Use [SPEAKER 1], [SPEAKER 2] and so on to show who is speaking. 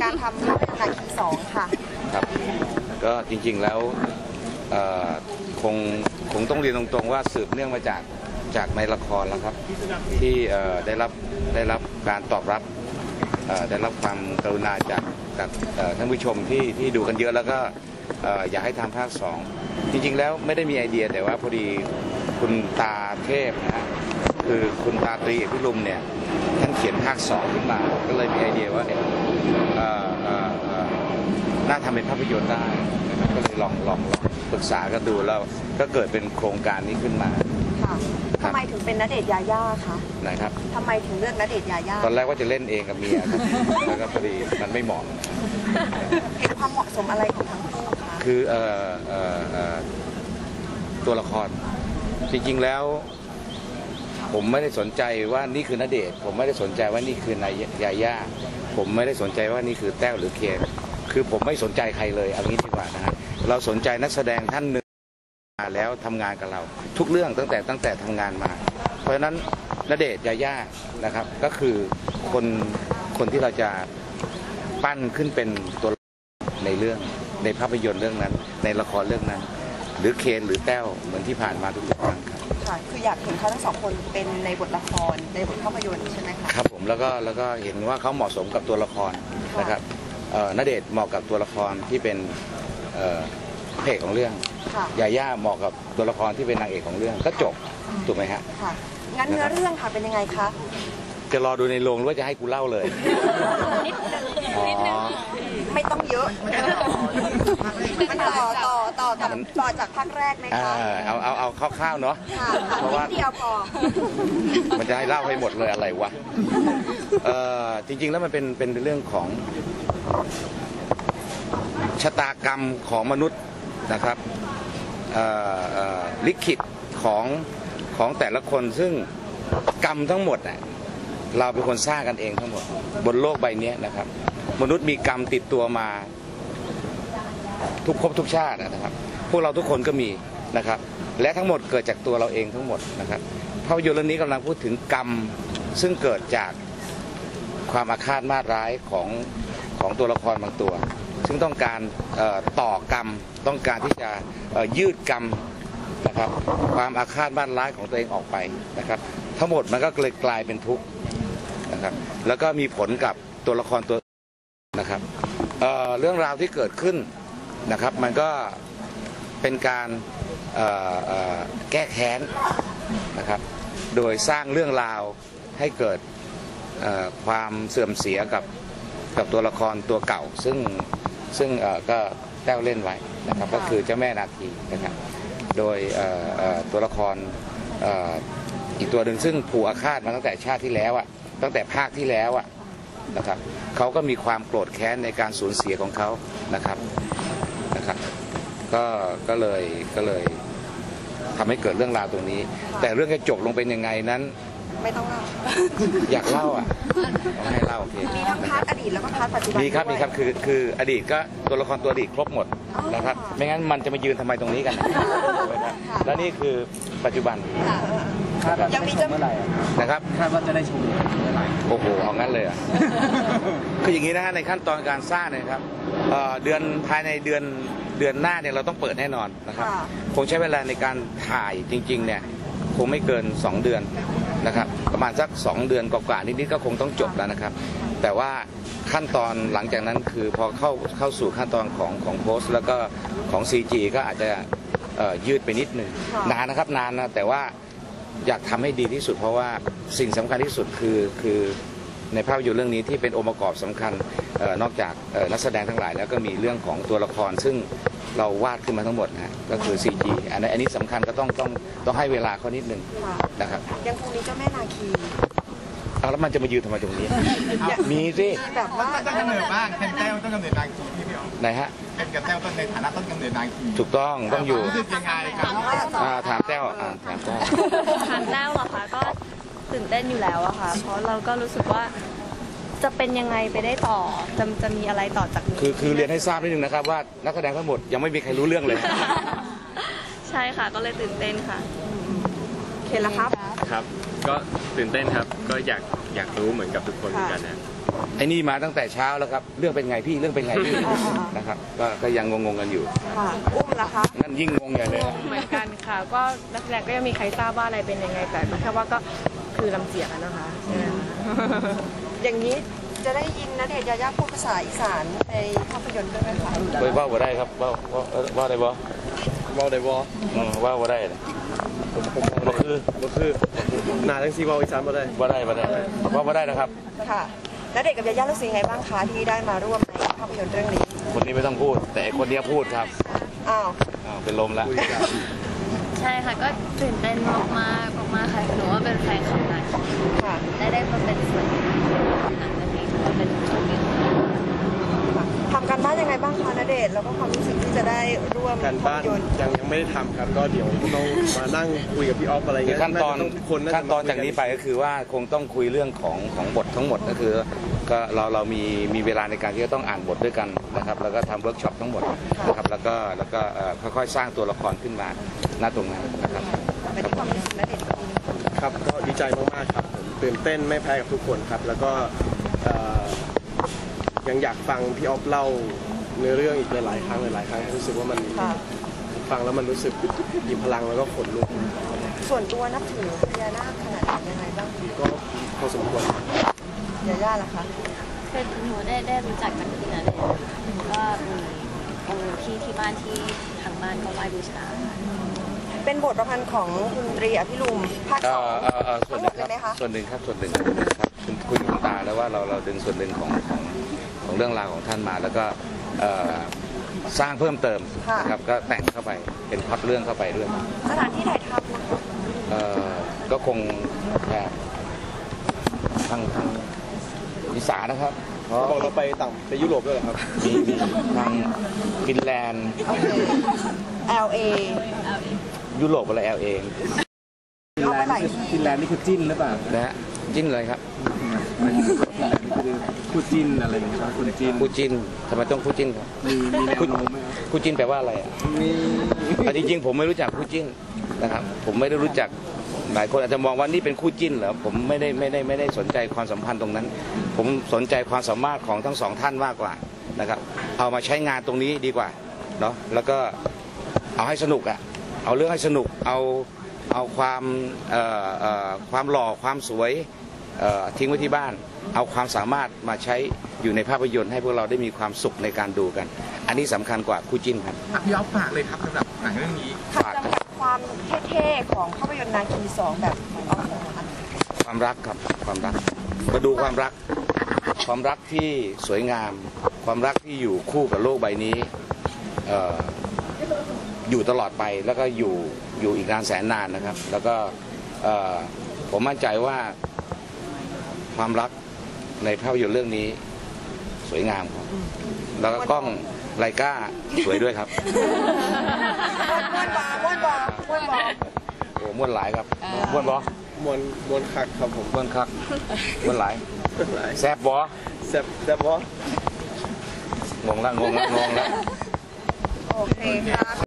[SPEAKER 1] การทำนาคี2ค่ะ
[SPEAKER 2] ครับก็จริงๆแล้วคงต้องเรียนตรงๆว่าสืบเนื่องมาจากในละครแล้วครับที่ได้รับการตอบรับได้รับความกรุณาจากท่านผู้ชมที่ดูกันเยอะแล้วก็อยากให้ทำภาค2จริงๆแล้วไม่ได้มีไอเดียแต่ว่าพอดีคุณตาเทพนะฮะคือคุณตาตรีพิรุมเนี่ยท่านเขียนภาค2ขึ้นมาก็เลยมีไอเดียว่าน่าทำเป็นภาพยนตร์ได้นะครับก็เลยลองปรึกษากันดูแล้วก็เกิดเป็นโครงการนี้ขึ้นมา
[SPEAKER 1] ค่ะทำไมถึงเป็นณเดชน์ยาย่าคะ
[SPEAKER 2] นะครับ
[SPEAKER 1] ทำไมถึงเลือกณเดชน์ยาย่า
[SPEAKER 2] ตอนแรกว่าจะเล่นเองกับเมียครับแล้วก็พอดีมันไม่เหมาะ
[SPEAKER 1] เห็นความเหมาะสมอะไรของทั้งคู่คะ
[SPEAKER 2] คือตัวละครจริงๆแล้วผมไม่ได้สนใจว่านี่คือณเดชน์ผมไม่ได้สนใจว่านี่คือนายยาย่าผมไม่ได้สนใจว่านี่คือแต้วหรือเคนคือผมไม่สนใจใครเลยเอางี้ดีกว่านะฮะเราสนใจนักแสดงท่านหนึ่งมาแล้วทำงานกับเราทุกเรื่องตั้งแต่ทำงานมาเพราะฉะนั้นณเดชน์ยาย่านะครับก็คือคนที่เราจะปั้นขึ้นเป็นตัวในเรื่องในภาพยนตร์เรื่องนั้นในละครเรื่องนั้นหรือเคนหรือแต้วเหมือนที่ผ่านมาทุกครั้งครับ
[SPEAKER 1] ค่ะคืออยากเห็นเขาทั้งสองคนเป็นในบทละครในบทภาพยนตร์ใช่ไหมคะ
[SPEAKER 2] ครับผมแล้วก็เห็นว่าเขาเหมาะสมกับตัวละครนะครับณเดชน์เหมาะกับตัวละครที่เป็นพระเอกของเรื่องยาย่าเหมาะกับตัวละครที่เป็นนางเอกของเรื่องก็จบถูกไหมฮะ
[SPEAKER 1] ค่ะงั้นเนื้อเรื่องค่ะเป็นยังไงคะ
[SPEAKER 2] จะรอดูในโรงหรือว่าจะให้กูเล่าเลย
[SPEAKER 1] นิดนึงไม่ต้องเยอะมันต่อจากภาคแรกไหมคะ
[SPEAKER 2] เอาคร่าวๆเนาะเพราะว่า
[SPEAKER 1] เดียวพอ
[SPEAKER 2] มันจะให้เล่าให้หมดเลยอะไรวะจริงๆแล้วมันเป็นเรื่องของชะตากรรมของมนุษย์นะครับลิขิตของแต่ละคนซึ่งกรรมทั้งหมดเราเป็นคนสร้างกันเองทั้งหมดบนโลกใบนี้นะครับมนุษย์มีกรรมติดตัวมาทุกภพทุกชาตินะครับพวกเราทุกคนก็มีนะครับและทั้งหมดเกิดจากตัวเราเองทั้งหมดนะครับภาพยนตร์เรื่องนี้กำลังพูดถึงกรรมซึ่งเกิดจากความอาฆาตมาร้ายของตัวละครบางตัวซึ่งต้องการต่อกรรมต้องการที่จะยืดกรรมนะครับความอาฆาตมาร้ายของตัวเองออกไปนะครับทั้งหมดมันก็เลยกลายเป็นทุกข์นะครับแล้วก็มีผลกับตัวละครตัวนะครับเรื่องราวที่เกิดขึ้นนะครับมันก็เป็นการแก้แค้นนะครับโดยสร้างเรื่องราวให้เกิดความเสื่อมเสียกับตัวละครตัวเก่าซึ่งก็แต้วเล่นไว้นะครับก็คือเจ้าแม่นาคีนะครับโดยตัวละครอีกตัวหนึ่งซึ่งผูกอาฆาตมาตั้งแต่ชาติที่แล้วตั้งแต่ภาคที่แล้วนะครับเขาก็มีความโกรธแค้นในการสูญเสียของเขานะครับก็เลยทำให้เกิดเรื่องราวตรงนี้แต่เรื่องจะจบลงเป็นยังไงนั้น
[SPEAKER 1] ไม่ต้องเล่า
[SPEAKER 2] อยากเล่าต้องให้เล่าโอเค
[SPEAKER 1] มีทั้งพาร์ทอดีตแล้วก็พาร์ทปัจจุบัน
[SPEAKER 2] มีครับคืออดีตก็ตัวละครตัวอดีตครบหมดนะครับไม่งั้นมันจะมายืนทำไมตรงนี้กันแล้วนี่คือปัจจุบัน
[SPEAKER 1] ยังมีจะเมื่อไหร่
[SPEAKER 2] นะครับ
[SPEAKER 3] คาดว่าจะได้ชมเมื่อไหร่
[SPEAKER 2] โอ้โหเอางั้นเลยคืออย่างนี้นะฮะในขั้นตอนการสร้างนะครับภายในเดือนหน้าเนี่ยเราต้องเปิดแน่นอนนะครับคงใช้เวลาในการถ่ายจริงๆเนี่ยคงไม่เกิน2 เดือนนะครับประมาณสัก2 เดือนกว่าๆนิดๆก็คงต้องจบแล้วนะครับแต่ว่าขั้นตอนหลังจากนั้นคือพอเข้าสู่ขั้นตอนของโพสต์แล้วก็ของ CG ก็อาจจะยืดไปนิดนึงนานนะครับนานนะแต่ว่าอยากทำให้ดีที่สุดเพราะว่าสิ่งสำคัญที่สุดคือในภาพยนตร์เรื่องนี้ที่เป็นองค์ประกอบสำคัญนอกจากนักแสดงทั้งหลายแล้วก็มีเรื่องของตัวละครซึ่งเราวาดขึ้นมาทั้งหมดนะก็คือ CG อันนี้สำคัญก็ต้องให้เวลาเขานิดนึงนะครับ
[SPEAKER 1] ยังคงมีเจ้าแม่นาคี
[SPEAKER 2] แล้วมันจะมายืนทำไมตรงนี้มีสิ
[SPEAKER 1] แบบว่า
[SPEAKER 3] ต้นกำเนิดบ้างเป็นแต้วต้นกำเนิดนาคีพี่พี่อ๋อ
[SPEAKER 2] ไหนฮะ
[SPEAKER 3] เป็นกับแต้วต้นในฐานะต้นกำเนิดนาคี
[SPEAKER 2] ถูกต้องอยู่
[SPEAKER 3] รู้สึกยังไงครับ
[SPEAKER 2] ถามแต้วถามแต้ว
[SPEAKER 4] เหรอคะก็ตื่นเต้นอยู่แล้วอะค่ะเพราะเราก็รู้สึกว่าจะเป็นยังไงไปได้ต่อจะมีอะไรต่อจากนี้
[SPEAKER 2] คือเรียนให้ทราบนิดนึงนะครับว่านักแสดงทั้งหมดยังไม่มีใครรู้เรื่องเลย
[SPEAKER 4] ใช่ค่ะก็เลยตื่นเต้นค่ะ
[SPEAKER 1] เห็นแล้วครับ
[SPEAKER 5] ก็ตื่นเต้นครับก็อยากรู้เหมือนกับทุกคนเหมือนกันนะ
[SPEAKER 2] ไอ้นี่มาตั้งแต่เช้าแล้วครับเรื่องเป็นไงพี่เรื่องเป็นไงพี่นะครับก็ยังงงๆกันอยู่
[SPEAKER 1] ค่ะอุ้มล่ะคะ
[SPEAKER 2] นั่นยิ่งงงใหญ่เลย
[SPEAKER 5] เหมือนกันค่ะ ก็นักแสดงก็ยังมีใครทราบว่าอะไรเป็นยังไงแต่แค่ว่าก็คือลำเจียกอะนะคะใช่ไหมคะ
[SPEAKER 1] อย่างนี้จะได้ยินณเดชน์ยายาพูดภาษาอีสานในภาพยนตร์ด้วยไหมคะ
[SPEAKER 2] ไปว่าบ่ได้ครับว่าได้บ่
[SPEAKER 6] เว้าได้บ่
[SPEAKER 2] ว่าบ่ได้นะบ่คือ
[SPEAKER 6] บ่คือหน้าจังซี่เว้าอีสานบ่ได้
[SPEAKER 2] บ่ได้ว่าบ่ได้นะครับ
[SPEAKER 1] ค่ะณเดชน์กับยายารู้สึกยังไงบ้างคะที่ได้มาร่วมในภาพยนตร์เรื่องนี้
[SPEAKER 2] คนนี้ไม่ต้องพูด แต่ไอ้คนเนี้ยพูดครับ
[SPEAKER 1] อ้าว
[SPEAKER 2] เป็นลมแล้ว
[SPEAKER 4] ใช่ค่ะก็ตื่นเต้นมากๆมากๆค่ะหนูว่าเป็นแฟนคลับนาย
[SPEAKER 1] ค่ะ
[SPEAKER 4] ได้มาเป็นส่วนหนึ่งของหนังเรื่องนี้ก็เป็นโชคดีของเรา
[SPEAKER 1] ทำการบ้านยังไงบ้างคะณเดชน์แล้วก็ความรู้สึกที่จะได้ร่วม
[SPEAKER 6] การ
[SPEAKER 1] ภา
[SPEAKER 6] บ้า
[SPEAKER 1] พ
[SPEAKER 6] น
[SPEAKER 1] ยนตร์
[SPEAKER 6] ยังไม่ได้ทำครับ ก็เดี๋ยวต้องมานั่งคุยกับพี่ออฟอะไร
[SPEAKER 2] คือ
[SPEAKER 6] เงี้ย
[SPEAKER 2] ขั้นตอน
[SPEAKER 6] าจะทุกคนน่าจะ
[SPEAKER 2] ขั้นตอนจากนี้ไปก็คือว่าคงต้องคุยเรื่องของบททั้งหมดก็คือก็เรามีเวลาในการที่จะต้องอ่านบทด้วยกันนะครับแล้วก็ทำเวิร์กช็อปทั้งหมดนะครับแล้วก็ค่อยๆสร้างตัวละครขึ้นมาณตรงนั้นนะครับ
[SPEAKER 1] ไปที่ความรู้สึกณเดชน์กับพี่
[SPEAKER 6] ครับ ก็ดีใจมากๆครับผมตื่นเต้นไม่แพ้กับทุกคนครับ แล้วก็ยังอยากฟังพี่ออฟเล่าเนื้อเรื่องอีกหลายๆครั้งรู้สึกว่ามัน
[SPEAKER 1] ค่ะ
[SPEAKER 6] ฟังแล้วมันรู้สึกมีพลังแล้วก็ขนลุก
[SPEAKER 1] ส่วนตัวนับถือพญานาคขนาดไหนยังไงบ้าง
[SPEAKER 6] ก็พอสมควร
[SPEAKER 1] ยาย่าล่ะคะ
[SPEAKER 4] คือหนูได้รู้จักจากที่นั้นเลยก็มีองค์ที่บ้านที่ทางบ้านก็ไหว้บูชา
[SPEAKER 1] เป็นบทประพันธ์ของคุณตรีอภิรุมภาคสอง
[SPEAKER 2] ส่วนหนึ่งครับ
[SPEAKER 1] ไหมคะ
[SPEAKER 2] ส่วนหนึ่งครับคุณคุยกับคุณตาแล้วว่าเราดึงส่วนหนึ่งของเรื่องราวของท่านมาแล้วก็สร้างเพิ่มเติมนะครับก็แต่งเข้าไปเป็นพล็อตเรื่องเข้าไปด้วย
[SPEAKER 1] สถานที่ถ่ายทำนะคะ
[SPEAKER 2] ก็คงแบบทางอีสานนะครับเพราะ
[SPEAKER 6] บอกเราไปยุโรปด้วยเหรอครับ
[SPEAKER 2] มีทางฟินแลนด์
[SPEAKER 1] โอเค LA
[SPEAKER 2] ยุโรปอะไรเอง
[SPEAKER 1] เอาไปหลายที่
[SPEAKER 3] ฟินแลนด์นี่คือจิ้นหรือเปล่า
[SPEAKER 2] นะฮะจิ้นเลยครับ
[SPEAKER 3] คู่จิ้นอะไรอย่างเงี้ยครับคุณจิ้น
[SPEAKER 2] คู่จิ้นทำไมต้องคู่จิ้นครับ
[SPEAKER 3] มีแนวโน้มไหมครับ
[SPEAKER 2] คู่จิ้นแปลว่าอะไรอ่ะ
[SPEAKER 3] มี
[SPEAKER 2] จริงๆผมไม่รู้จักคู่จิ้นนะครับผมไม่ได้รู้จักหลายคนอาจจะมองว่านี่เป็นคู่จิ้นเหรอผมไม่ได้สนใจความสัมพันธ์ตรงนั้น ผมสนใจความสามารถของทั้งสองท่านมากกว่านะครับเอามาใช้งานตรงนี้ดีกว่าเนาะแล้วก็เอาให้สนุกอ่ะเอาเรื่องให้สนุกเอาความหล่อความสวยทิ้งไว้ที่บ้าน เอาความสามารถมาใช้อยู่ในภาพยนตร์ให้พวกเราได้มีความสุขในการดูกัน อันนี้สำคัญกว่าคู่จิ้นครับ
[SPEAKER 3] พี่อ๊อฟฝากเลยครับสำหรับหนังเรื่องนี้
[SPEAKER 1] ค่ะจำกัดความเท่ๆของภาพยนตร์นาคี2แบบของออฟนะคะ
[SPEAKER 2] ความรักครับความรักมาดูความรักที่สวยงาม ความรักที่อยู่คู่กับโลกใบนี้อยู่ตลอดไปแล้วก็อยู่อีกนานแสนนานนะครับ แล้วก็ผมมั่นใจว่าความรักในภาพยนตร์เรื่องนี้สวยงามครับแล้วก็กล้องไลกาสวยด้วยครับ
[SPEAKER 1] ม้วนบอ
[SPEAKER 2] โอ้ม้วนหลายครับม้วนบอ
[SPEAKER 6] มวนคักครับผม
[SPEAKER 2] ม้วนคักม้วนหลาย
[SPEAKER 6] หลาย
[SPEAKER 2] แซบบอ
[SPEAKER 6] แซ่บบ่
[SPEAKER 2] งงละ
[SPEAKER 1] โอเคค่ะ